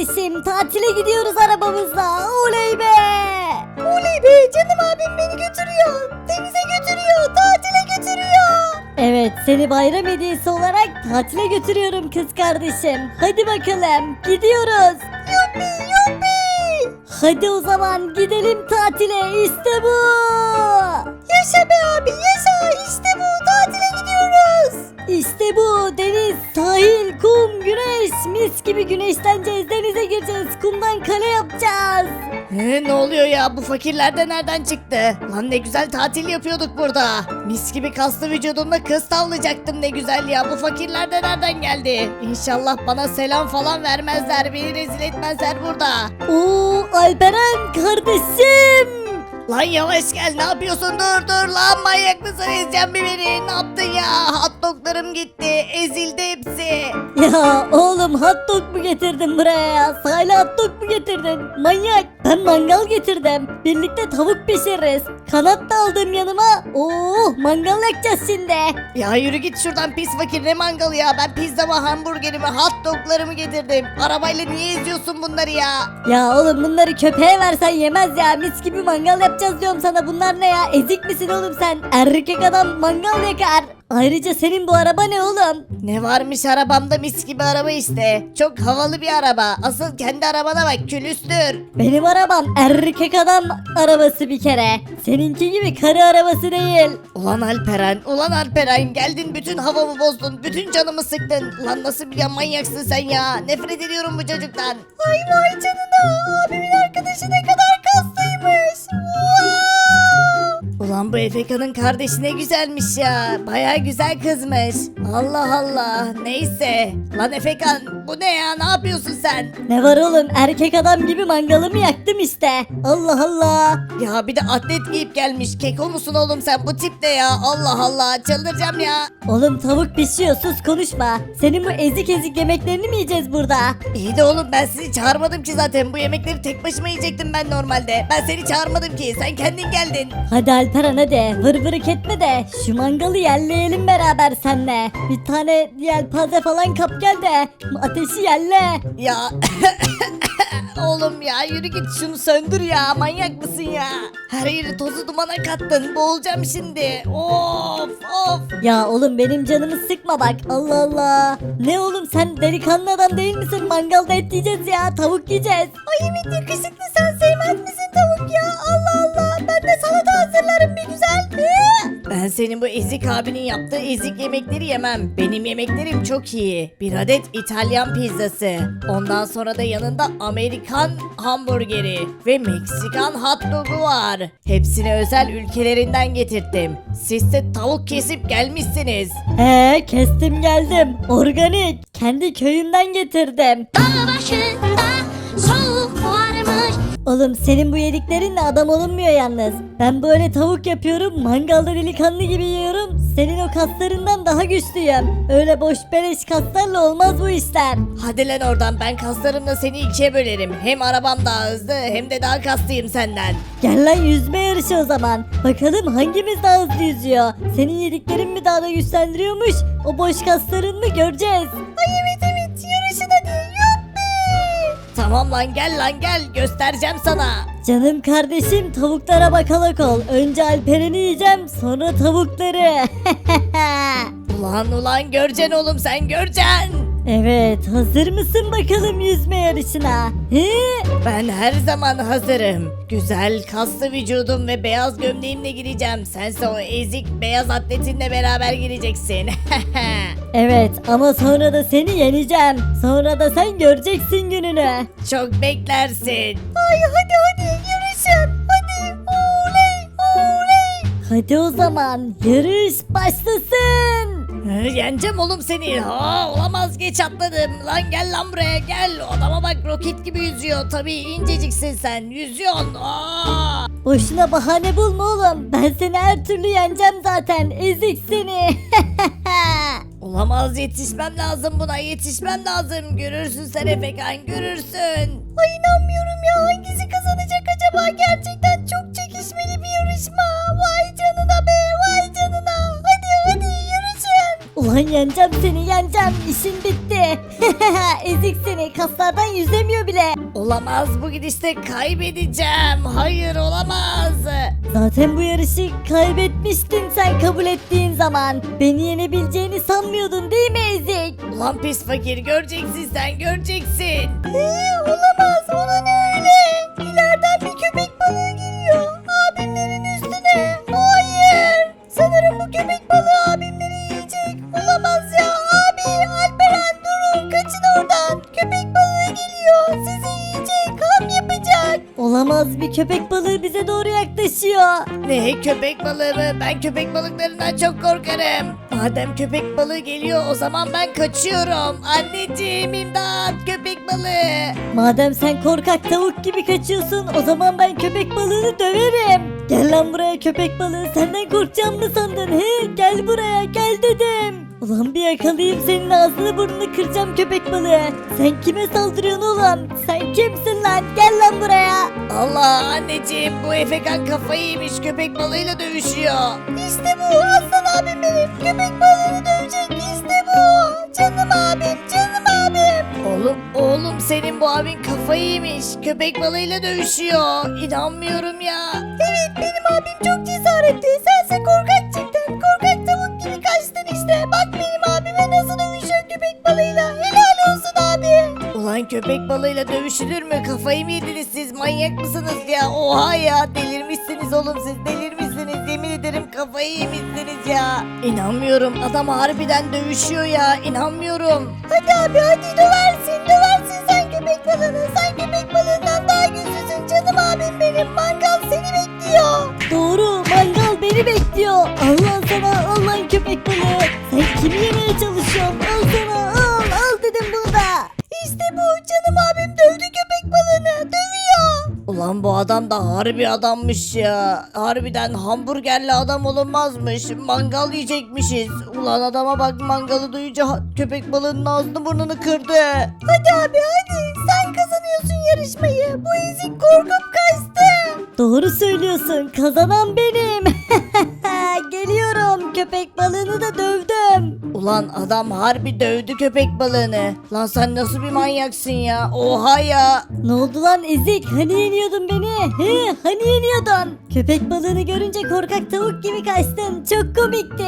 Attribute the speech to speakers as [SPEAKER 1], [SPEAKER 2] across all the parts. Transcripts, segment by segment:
[SPEAKER 1] kardeşim, tatile gidiyoruz arabamızla. Oley be. Oley be, canım abim beni götürüyor. Denize götürüyor, tatile götürüyor. Evet, seni bayram hediyesi olarak tatile götürüyorum kız kardeşim. Hadi bakalım, gidiyoruz. Yuppi yuppi. Hadi o zaman gidelim tatile, işte bu. Yaşa be abi, yaşa, işte bu, tatile gidiyoruz. İşte bu, deniz, sahil, kum, güneş. Mis gibi güneşleneceğiz, denize gireceğiz, kumdan kale yapacağız.
[SPEAKER 2] Ne oluyor ya, bu fakirler de nereden çıktı? Lan ne güzel tatil yapıyorduk burada. Mis gibi kaslı vücudumda kız tavlayacaktım, ne güzel ya. Bu fakirler de nereden geldi? İnşallah bana selam falan vermezler, beni rezil etmezler burada.
[SPEAKER 1] Oo, Alperen kardeşim.
[SPEAKER 2] Lan yavaş gel, ne yapıyorsun, dur lan, manyak mısın, ezeceksin bir beni, ne yaptın ya? Hot doglarım gitti, ezildi hepsi.
[SPEAKER 1] Ya oğlum, hot dog mu getirdin buraya ya? Sahile hot dog mu getirdin? Manyak. Ben mangal getirdim. Birlikte tavuk pişiririz. Kanat da aldım yanıma. Oo, mangal yakacağız şimdi.
[SPEAKER 2] Ya yürü git şuradan pis fakir, ne mangalı ya, ben pizzamı, hamburgerimi, hot doglarımı getirdim. Arabayla niye eziyorsun bunları ya?
[SPEAKER 1] Ya oğlum, bunları köpeğe versen yemez ya. Mis gibi mangal yapacağız diyorum sana. Bunlar ne ya? Ezik misin oğlum sen? Erkek adam mangal yakar. Ayrıca senin bu araba ne oğlum?
[SPEAKER 2] Ne varmış arabamda, mis gibi araba işte. Çok havalı bir araba. Asıl kendi arabana bak, külüstür.
[SPEAKER 1] Benim arabam erkek adam arabası bir kere. Seninki gibi karı arabası değil.
[SPEAKER 2] Ulan Alperen, geldin bütün havamı bozdun, bütün canımı sıktın. Ulan nasıl bir manyaksın sen ya? Nefret ediyorum bu çocuktan.
[SPEAKER 1] Ay vay canına, abimin arkadaşı ne kadar kaslıymış.
[SPEAKER 2] Ulan bu Efeka'nın kardeşi ne güzelmiş ya. Baya güzel kızmış. Allah Allah. Neyse. Lan Efekan, bu ne ya? Ne yapıyorsun sen?
[SPEAKER 1] Ne var oğlum, erkek adam gibi mangalımı yaktım işte. Allah Allah.
[SPEAKER 2] Ya bir de atlet giyip gelmiş. Keko musun oğlum sen? Bu tip ne ya? Allah Allah. Çıldıracağım ya.
[SPEAKER 1] Oğlum tavuk pişiyor, sus konuşma. Senin bu ezik ezik yemeklerini mi yiyeceğiz burada?
[SPEAKER 2] İyi de oğlum, ben sizi çağırmadım ki zaten. Bu yemekleri tek başıma yiyecektim ben normalde. Ben seni çağırmadım ki. Sen kendin geldin.
[SPEAKER 1] Hadi Alperen, hadi vır vırık etme de şu mangalı yerleyelim beraber senle. Bir tane yelpaze falan kap gel de ateşi yerle.
[SPEAKER 2] Ya oğlum ya, yürü git, şunu söndür ya, manyak mısın ya? Her yeri tozu dumana kattın, boğulacağım şimdi. Of.
[SPEAKER 1] Ya oğlum, benim canımı sıkma bak, Allah Allah. Ne oğlum, sen delikanlı adam değil misin? Mangalda et yiyeceğiz ya, tavuk yiyeceğiz. Ay evet, yakışıklı, sen sevmez misin tavuk ya? Allah Allah, ben de salata hazırlarım bir güzel.
[SPEAKER 2] Ben senin bu ezik abinin yaptığı ezik yemekleri yemem. Benim yemeklerim çok iyi. Bir adet İtalyan pizzası. Ondan sonra da yanında Amerikan hamburgeri ve Meksikan hot dogu var. Hepsini özel ülkelerinden getirttim. Siz de tavuk kesip gelmişsiniz.
[SPEAKER 1] Kestim geldim, organik, kendi köyümden getirdim.
[SPEAKER 3] Dağ başında soğuk varmış.
[SPEAKER 1] Oğlum, senin bu yediklerinle adam olunmuyor yalnız. Ben böyle tavuk yapıyorum, mangalda delikanlı gibi yiyorum. Senin o kaslarından daha güçlüyüm. Öyle boş beleş kaslarla olmaz bu işler.
[SPEAKER 2] Hadi lan oradan, ben kaslarımla seni ikiye bölerim. Hem arabam daha hızlı hem de daha kaslıyım senden.
[SPEAKER 1] Gel lan, yüzme yarışı o zaman. Bakalım hangimiz daha hızlı yüzüyor. Senin yediklerin mi daha da güçlendiriyormuş? O boş kasların mı, göreceğiz. Ay evet, yarışın hadi.
[SPEAKER 2] Tamam lan, gel göstereceğim sana.
[SPEAKER 1] Canım kardeşim, tavuklara bakalak ol. Önce Alperen'i yiyeceğim, sonra tavukları.
[SPEAKER 2] Ulan göreceksin oğlum, sen göreceksin.
[SPEAKER 1] Evet, hazır mısın bakalım yüzme yarışına?
[SPEAKER 2] Ben her zaman hazırım. Güzel kaslı vücudum ve beyaz gömleğimle gireceğim. Sense o ezik beyaz atletinle beraber gireceksin.
[SPEAKER 1] Evet, ama sonra da seni yeneceğim. Sonra da sen göreceksin gününü.
[SPEAKER 2] Çok beklersin.
[SPEAKER 1] Ay hadi yarışın. Hadi, oley. Hadi o zaman yarış başlasın.
[SPEAKER 2] Yeneceğim oğlum seni. Olamaz, geç atladım. Lan gel lan buraya, gel. Adama bak, roket gibi yüzüyor. Tabii inceciksin sen. Yüzüyorsun.
[SPEAKER 1] Boşuna bahane bulma oğlum. Ben seni her türlü yeneceğim zaten. Ezik seni.
[SPEAKER 2] Olamaz, yetişmem lazım buna, yetişmem lazım. Görürsün sen Efekan, görürsün.
[SPEAKER 1] Ay inanmıyorum ya. Hangisi kazanacak acaba? Gerçekten çok çekişmeli bir yarışma. Vay canına be, vay canına. Hadi yarışın. Ulan yeneceğim seni yeneceğim. İşin bitti. Ezik seni, kaslardan yüzemiyor bile.
[SPEAKER 2] Olamaz, bu gidişte kaybedeceğim. Hayır, olamaz.
[SPEAKER 1] Zaten bu yarışı kaybetmiştin sen kabul ettiğin zaman. Beni yenebileceğini sanmıyordun değil mi Ezik?
[SPEAKER 2] Ulan pis fakir, göreceksin sen, göreceksin.
[SPEAKER 1] Olamaz, ona ne öyle? İleriden bir köpek balığı geliyor. Abimlerin üstüne. Hayır. Sanırım bu köpek balığı abimleri yiyecek. Olamaz ya. Abi, Alperen durun. Kaçın oradan. Köpek balığı geliyor. Sizi yiyecek. Ham yapacak. Olamaz, bir köpek balığı bize doğru yaklaşıyor.
[SPEAKER 2] Ne, köpek balığı mı? Ben köpek balıklarından çok korkarım. Madem köpek balığı geliyor, o zaman ben kaçıyorum. Anneciğim, imdat, köpek balığı.
[SPEAKER 1] Madem sen korkak tavuk gibi kaçıyorsun, o zaman ben köpek balığını döverim. Gel lan buraya köpek balığı, senden korkacağım mı sandın he? Gel buraya, gel dedim. Ulan bir yakalayayım senin ağzını burnunu kıracağım köpek balığı. Sen kime saldırıyorsun oğlum? Sen kimsin lan? Gel lan buraya.
[SPEAKER 2] Allah, anneciğim, bu Efekan kafayı yemiş, köpek balığıyla dövüşüyor.
[SPEAKER 1] İşte bu aslan abim benim. Köpek balığını dövecek işte bu. Canım abim, canım abim.
[SPEAKER 2] Oğlum senin bu abin kafayı yemiş, köpek balığıyla dövüşüyor. İnanmıyorum ya.
[SPEAKER 1] Evet, benim abim çok cesaretli. Sense korkak çıktın. Korkak tavuk gibi kaçtın işte. Bak benim abime nasıl dövüşüyor köpek balığıyla. Helal olsun abi.
[SPEAKER 2] Ulan köpek balığıyla dövüşülür mü? Kafayı mı yediniz siz? Manyak mısınız ya? Oha ya, delirmişsiniz oğlum, siz delirmişsiniz. Yemin ederim kafayı yemişsiniz ya. İnanmıyorum, adam harbiden dövüşüyor ya. İnanmıyorum.
[SPEAKER 1] Hadi abi hadi döversin. Döversin sen köpek balığını. Sen köpek balığından daha güçlüsün canım abim benim. Mangal seni bekliyor. Doğru, mangal beni bekliyor. Allah sana, Allah köpek balığı. Sen kimi yemeye çalışıyorsun? Al sana, al dedim burada. İşte bu, canım abim dövdü köpek balığını. Dövüyor.
[SPEAKER 2] Ulan bu adam da harbi adammış ya. Harbiden hamburgerli adam olunmazmış. Mangal yiyecekmişiz. Ulan adama bak, mangalı duyunca köpek balığının ağzını burnunu kırdı.
[SPEAKER 1] Hadi abi hadi, sen kazanıyorsun yarışmayı. Bu ezik korkup kaçtı. Doğru söylüyorsun, kazanan benim. Geliyorum, köpek balığını da dövdüm.
[SPEAKER 2] Ulan adam harbi dövdü köpek balığını. Lan sen nasıl bir manyaksın ya? Oha ya.
[SPEAKER 1] Ne oldu lan ezik, hani yeniyordun beni? He, hani yeniyordun? Köpek balığını görünce korkak tavuk gibi kaçtın, çok komikti.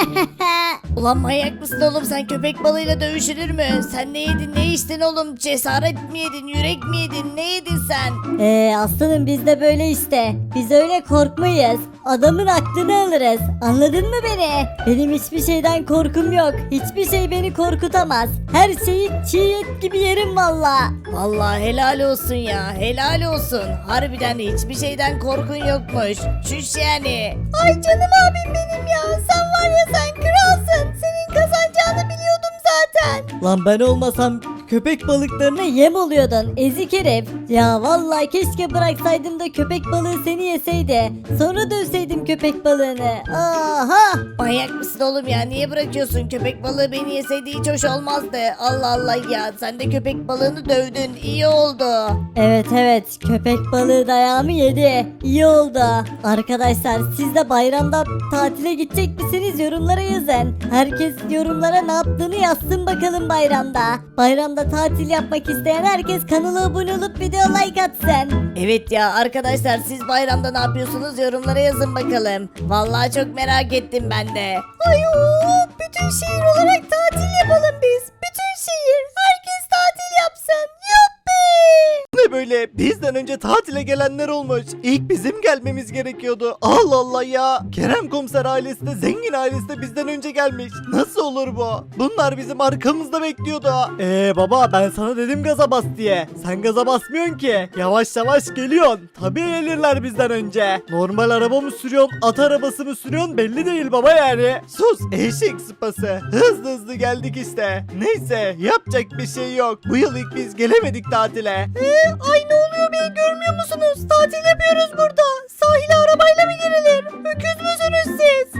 [SPEAKER 2] Ulan manyak mısın oğlum, sen köpek balığıyla dövüşülür mü? Sen ne yedin, ne içtin oğlum? Cesaret mi yedin, yürek mi yedin, ne yedin sen?
[SPEAKER 1] Aslanım biz de böyle işte. Biz öyle korkmayız. Adamın aklını alırız. Anladın mı beni? Benim hiçbir şeyden korkum yok. Hiçbir şey beni korkutamaz. Her şeyi çiğ et gibi yerim valla.
[SPEAKER 2] Vallahi helal olsun ya, helal olsun. Harbiden hiçbir şeyden korkun yokmuş. Çüş yani.
[SPEAKER 1] Ay canım abim benim ya. Sen var ya, sen kralsın. Senin kazanacağını biliyordum zaten. Lan ben olmasam köpek balıklarına yem oluyordun ezik herif. Ya vallahi keşke bıraksaydım da köpek balığı seni yeseydi. Sonra dövseydim köpek balığını. Aha!
[SPEAKER 2] Manyak mısın oğlum ya, niye bırakıyorsun? Köpek balığı beni yeseydi hiç hoş olmazdı. Allah Allah ya, sen de köpek balığını dövdün, iyi oldu.
[SPEAKER 1] Evet köpek balığı dayağımı yedi. İyi oldu. Arkadaşlar siz de bayramda tatile gidecek misiniz? Yorumlara yazın. Herkes yorumlara ne yaptığını yazsın bakalım bayramda. Bayramda tatil yapmak isteyen herkes kanala abone olup video like atsın.
[SPEAKER 2] Evet ya arkadaşlar, siz bayramda ne yapıyorsunuz? Yorumlara yazın bakalım. Vallahi çok merak ettim ben de.
[SPEAKER 1] Ay bütün şehir olarak tatil yapalım biz. Bütün şehir. Herkes tatil yapsın. Yuppi!
[SPEAKER 4] Ne böyle bizden önce tatile gelenler olmuş. İlk bizim gelmemiz gerekiyordu. Allah Allah ya. Kerem komiser ailesi de zengin ailesi de bizden önce gelmiş. Nasıl olur bu? Bunlar bizim arkamızda bekliyordu. Baba ben sana dedim gaza bas diye. Sen gaza basmıyorsun ki. Yavaş yavaş geliyorsun. Tabii gelirler bizden önce. Normal araba mı sürüyorsun, at arabası mı sürüyorsun belli değil baba yani. Sus eşek sıpası. Hızlı hızlı geldik işte. Neyse yapacak bir şey yok. Bu yıl ilk biz gelemedik tatile.
[SPEAKER 1] Ay ne oluyor be, görmüyor musunuz? Tatil yapıyoruz burada. Sahile arabayla mı girilir? Öküz müsünüz siz?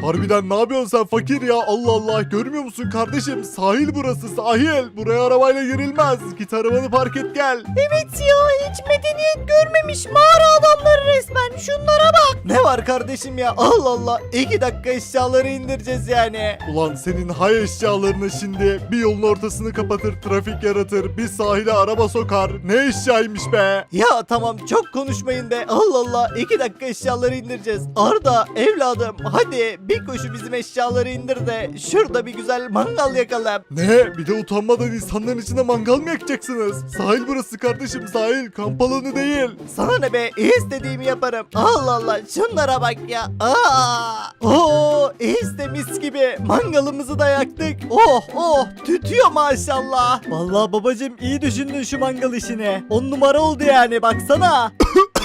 [SPEAKER 5] Harbiden ne yapıyorsun sen fakir ya? Allah Allah, görmüyor musun kardeşim? Sahil burası, sahil. Buraya arabayla girilmez. Git arabanı park et gel.
[SPEAKER 2] Evet ya, hiç medeniyet görmemiş mağara adamları resmen. Şunlara bak.
[SPEAKER 4] Ne var kardeşim ya? Allah Allah. 2 dakika eşyaları indireceğiz yani.
[SPEAKER 5] Ulan senin hay eşyalarını şimdi bir yolun ortasını kapatır, trafik yaratır, bir sahile araba sokar. Ne eşyaymış be?
[SPEAKER 4] Ya tamam, çok konuşmayın be. Allah Allah. 2 dakika eşyaları indireceğiz. Arda evladım, hadi bir koşu bizim eşyaları indir de şurada bir güzel mangal yakalım.
[SPEAKER 5] Ne? Bir de utanmadan insanların içinde mangal mı yakacaksınız? Sahil burası kardeşim, sahil. Kamp alanı değil.
[SPEAKER 4] Sana ne be? İstediğimi yaparım. Allah Allah. Şunlara bak ya. Oo, de mis gibi. Mangalımızı da yaktık. Oh oh. Tütüyor maşallah. Vallahi babacım, iyi düşündün şu mangal işini. 10 numara oldu yani, baksana.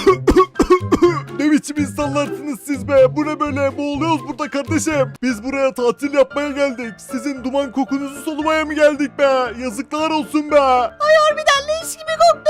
[SPEAKER 5] Ne biçim insanlarsınız siz be? Bu ne böyle? Boğuluyoruz burada kardeşim. Biz buraya tatil yapmaya geldik. Sizin duman kokunuzu solumaya mı geldik be? Yazıklar olsun be.
[SPEAKER 2] Harbiden leş gibi koktu.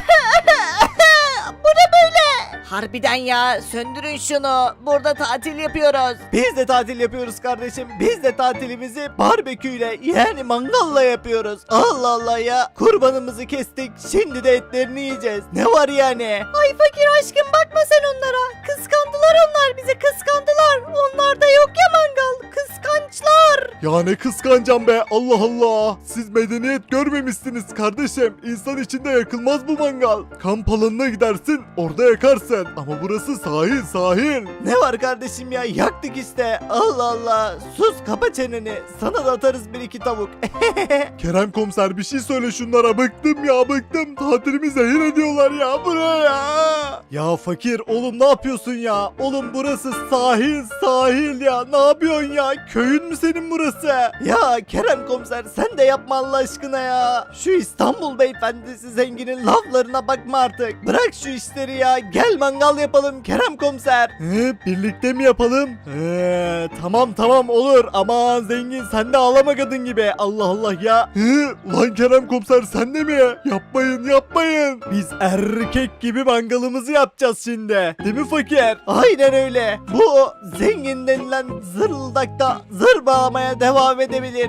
[SPEAKER 2] Bu ne böyle? Harbiden ya, söndürün şunu. Burada tatil yapıyoruz.
[SPEAKER 4] Biz de tatil yapıyoruz kardeşim. Biz de tatilimizi barbeküyle, yani mangalla yapıyoruz. Allah Allah ya. Kurbanımızı kestik. Şimdi de etlerini yiyeceğiz. Ne var yani?
[SPEAKER 2] Ay fakir aşkım, bakma sen onlara. Kıskandılar onlar bizi, kıskandılar. Onlarda yok ya mangal. Kıskançlar.
[SPEAKER 5] Ya ne kıskanacağım be, Allah Allah. Siz medeniyet görmemişsiniz kardeşim. İnsan içinde yakılmaz bu mangal. Kamp alanına gidersin, orada yakarsın. Ama burası sahil, sahil.
[SPEAKER 4] Ne var kardeşim ya? Yaktık işte. Allah Allah. Sus, kapa çeneni. Sana da atarız 1-2 tavuk.
[SPEAKER 5] Kerem komiser, bir şey söyle şunlara, bıktım ya, bıktım. Tatilimi zehir ediyorlar ya, buraya.
[SPEAKER 4] Ya fakir oğlum, ne yapıyorsun ya? Oğlum burası sahil, sahil ya. Ne yapıyorsun ya? Köyün mü senin burası? Ya Kerem komiser, sen de yapma Allah aşkına ya. Şu İstanbul beyefendisi zenginin laflarına bakma artık. Bırak şu işleri ya. Gel mangal yapalım Kerem komiser.
[SPEAKER 5] Birlikte mi yapalım?
[SPEAKER 4] Tamam tamam, olur. Aman zengin, sen de ağlama kadın gibi. Allah Allah ya.
[SPEAKER 5] Ulan Kerem komiser, sen de mi? Yapmayın, yapmayın.
[SPEAKER 4] Biz erkek gibi mangalımızı yapacağız şimdi. Değil mi fakir? Aynen öyle. Bu zengin denilen zırıldakta zır bağlamaya devam edebilir.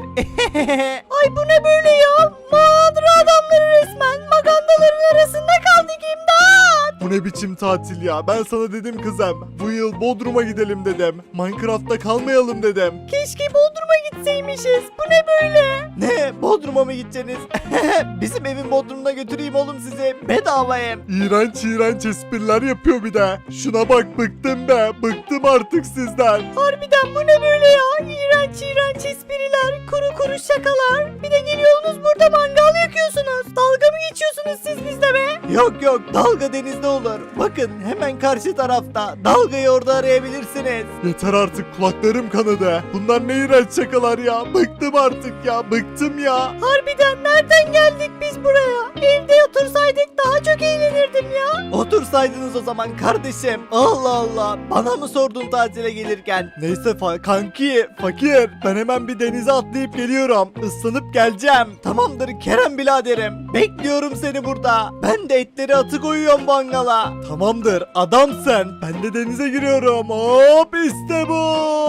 [SPEAKER 2] Ay bu ne böyle ya? Mağara adamları resmen. Magandaların arasında kaldık, imdat.
[SPEAKER 5] Bu ne biçim tatil ya? Ben sana dedim kızım. Bu yıl Bodrum'a gidelim dedim. Minecraft'ta kalmayalım dedim.
[SPEAKER 2] Keşke Bodrum'a gitseymişiz. Bu ne böyle?
[SPEAKER 4] Ne? Bodrum'a mı gideceksiniz? Bizim evin Bodrum'una götüreyim oğlum sizi. Bedava ev.
[SPEAKER 5] İğrenç iğrenç espriler yapıyor bir de. Şuna bak, bıktım be. Bıktım artık sizden.
[SPEAKER 2] Harbiden bu ne böyle ya? İğrenç iğrenç espriler, kuru kuru şakalar. Bir de geliyorsunuz burada mangal yakıyorsunuz. Dalga mı geçiyorsunuz siz bizle be?
[SPEAKER 4] Yok yok, dalga denizde olur. Bakın hemen karşı tarafta. Dalgayı orada arayabilirsiniz.
[SPEAKER 5] Yeter artık, kulaklarım kanadı. Bunlar ne iğrenç şakalar ya. Bıktım artık ya. Bıktım ya.
[SPEAKER 2] Harbiden nereden geldik biz buraya? Evde otursaydık daha çok eğlenirdim ya.
[SPEAKER 4] Otursaydınız o zaman kardeşim. Allah Allah. Bana mı sordun tatile gelirken? Neyse kanki, fakir. Ben hemen bir denize atlayıp geliyorum. Islanıp geleceğim. Tamamdır Kerem biraderim. Bekliyorum seni burada. Ben de etleri atı koyuyorum mangala. Tamamdır adamsın. Ben de denize giriyorum. Hop, işte bu.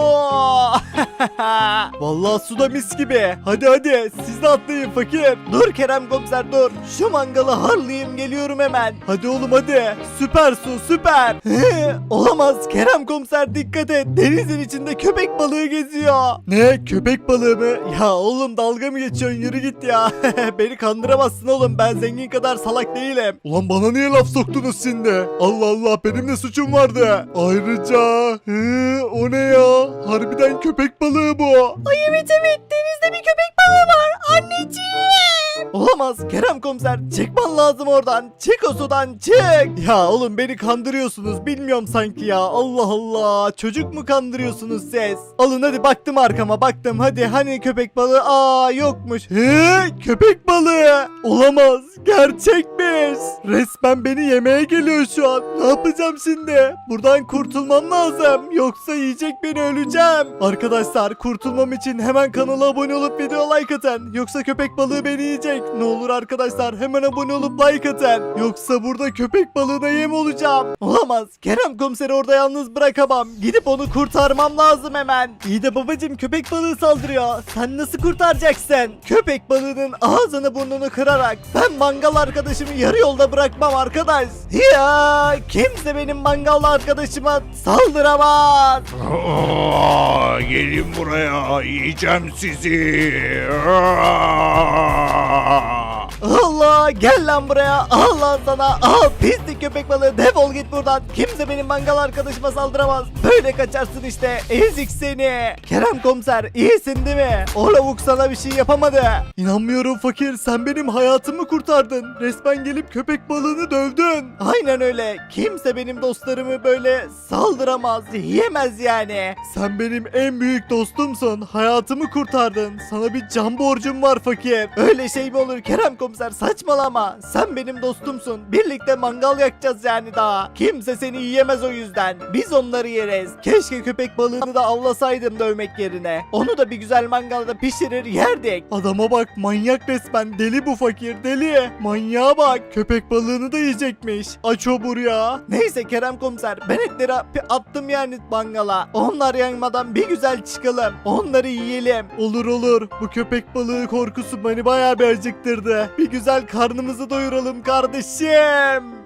[SPEAKER 4] Vallahi suda mis gibi. Hadi hadi siz de atlayın fakir. Dur Kerem komiser dur. Şu mangalı harlayayım geliyorum hemen. Hadi oğlum hadi. Süper su, süper. Olamaz Kerem komiser, dikkat et. Denizin içinde köpek balığı geziyor. Ne, köpek balığı mı? Ya oğlum dalga mı geçiyorsun, yürü git ya. Beni kandıramazsın oğlum, ben zengin kadar salak değilim.
[SPEAKER 5] Ulan bana niye laf soktunuz şimdi? Allah Allah, benim de suçum vardı. Ayrıca o ne ya? Harbiden köpek balığı bu.
[SPEAKER 2] Ay evet evet, denizde bir köpek balığı var. Anneciğim.
[SPEAKER 4] Olamaz Kerem komiser, çıkman lazım oradan. Çık o sudan, çık. Ya oğlum beni kandırıyorsunuz, bilmiyorum sanki ya. Allah Allah, çocuk mu kandırıyorsunuz siz? Alın hadi, baktım arkama, baktım hadi, hani köpek balığı? Aa, yokmuş. Köpek balığı. Olamaz, gerçekmiş.
[SPEAKER 5] Olamaz. Resmen beni yemeye geliyor şu an. Ne yapacağım şimdi? Buradan kurtulmam lazım. Yoksa yiyecek beni, öleceğim. Arkadaşlar kurtulmam için hemen kanala abone olup video like atın. Yoksa köpek balığı beni yiyecek. Ne olur arkadaşlar hemen abone olup like atın. Yoksa burada köpek balığına yem olacağım.
[SPEAKER 4] Olamaz. Kerem komiseri orada yalnız bırakamam. Gidip onu kurtarmam lazım hemen. İyi de babacım, köpek balığı saldırıyor. Sen nasıl kurtaracaksın? Köpek balığının ağzını burnunu kırarak ben mangal arkadaşımı yarı yolda bırakmam arkadaş. Ya kimse benim mangal arkadaşıma saldıramaz.
[SPEAKER 5] Gelin buraya, yiyeceğim sizi.
[SPEAKER 4] Allah, gel lan buraya. Allah sana. Al pislik köpek balığı, defol git buradan. Kimse benim mangal arkadaşıma saldıramaz. Böyle kaçarsın işte, ezik seni. Kerem komiser, iyisin değil mi? O lavuk sana bir şey yapamadı.
[SPEAKER 5] İnanmıyorum fakir, sen benim hayatımı kurtardın. Resmen gelip köpek balığını dövdün.
[SPEAKER 4] Aynen öyle. Kimse benim dostlarımı böyle saldıramaz, yiyemez yani.
[SPEAKER 5] Sen benim en büyük dostumsun. Hayatımı kurtardın. Sana bir can borcum var fakir.
[SPEAKER 4] Öyle şey mi olur Kerem komiser, saçmalama. Sen benim dostumsun. Birlikte mangal yakacağız yani daha. Kimse seni yiyemez o yüzden. Biz onları yeriz. Keşke köpek balığını da avlasaydım dövmek yerine. Onu da bir güzel mangalda pişirir yerdik.
[SPEAKER 5] Adama bak, manyak resmen, deli bu fakir, deli. Manyağa bak, köpek balığını da yiyecekmiş. Aç obur ya.
[SPEAKER 4] Neyse Kerem komiser, ben etleri attım yani mangala. Onlar yanmadan bir güzel çıkalım. Onları yiyelim.
[SPEAKER 5] Olur olur, bu köpek balığı korkusu beni bayağı bir acıktırdı. Bir güzel karnımızı doyuralım kardeşim.